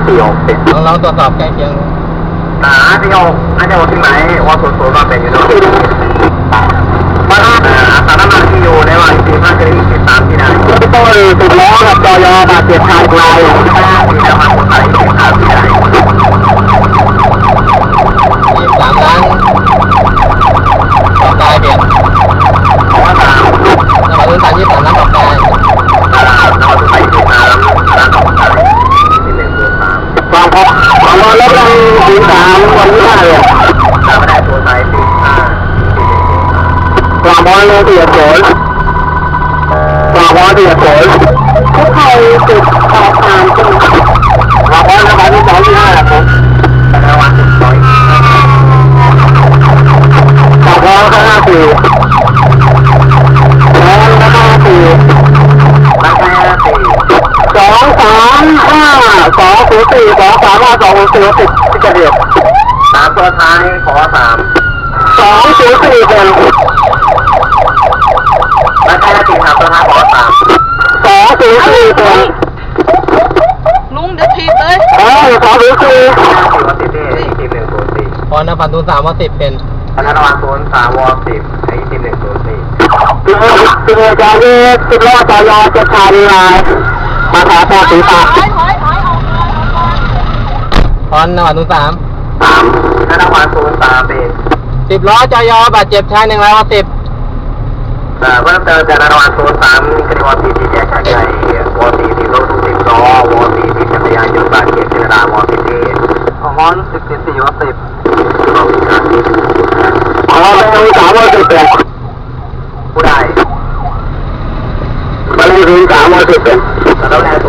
46ลองตรวจสอบใกล้เคียง 46น่าจะว่าที่ไหนว่า00มาเป็นอยู่ด้วยสารน้ำมันที่อยู่ในวันที่5จะได้23ที่ไหนต้นติดล้อกับจอยบาดเจ็บทางไกลที่จะมาคนไหนที่ไหน 23 ล้านต่อตายเบียดเพราะว่า3 เราดู23 ล้านต่อตายเราไปที่3ร้านต่อไปที่1ตัว3ฟังครับของเราลดลงถึง3วันที่5เลยถ้าไม่ได้ตัวไซส์ที่5กลางบอลเลยเสียโผล่กลางบอลเสียโผล่ทุกใครติดขอบทางจริงกลางบอลนะครับที่2ที่5ครับแต่วันที่2กลางบอลข้างหน้า4แล้วข้างหน้า4แล้วข้างหน้า4 235 204 235 204 10ที่จะเดียว3ตัวท้ายขอ3 204เป็นแล้วข้างหน้า4ครับตัวท้ายขอ3 204เป็นลุงเดี๋ยวถีบเลยพอนพันตู3 ว10เป็นธนาคาร03 ว10ไอ้ที104คือจอนี้ติดล้อจอยจะทำลายมาขอต่อสีฟ้าพอนพันตู3 ธนาคาร03เป็น 10 ล้อจอยบาดเจ็บชาย1 ราย10 เพิ่มเติมจากธนาคาร03กระดิ่ง4ที่แยกชายใหญ่ว4ที่รถ10ล้อว4ที่จักรยานยนต์บาดเจ็บธนาคาร10ที่ของมอน14 ว10ของเราเป็น3 ว10เป็นผู้ใดมันมีถึง3 ว10เป็นแล้วแรง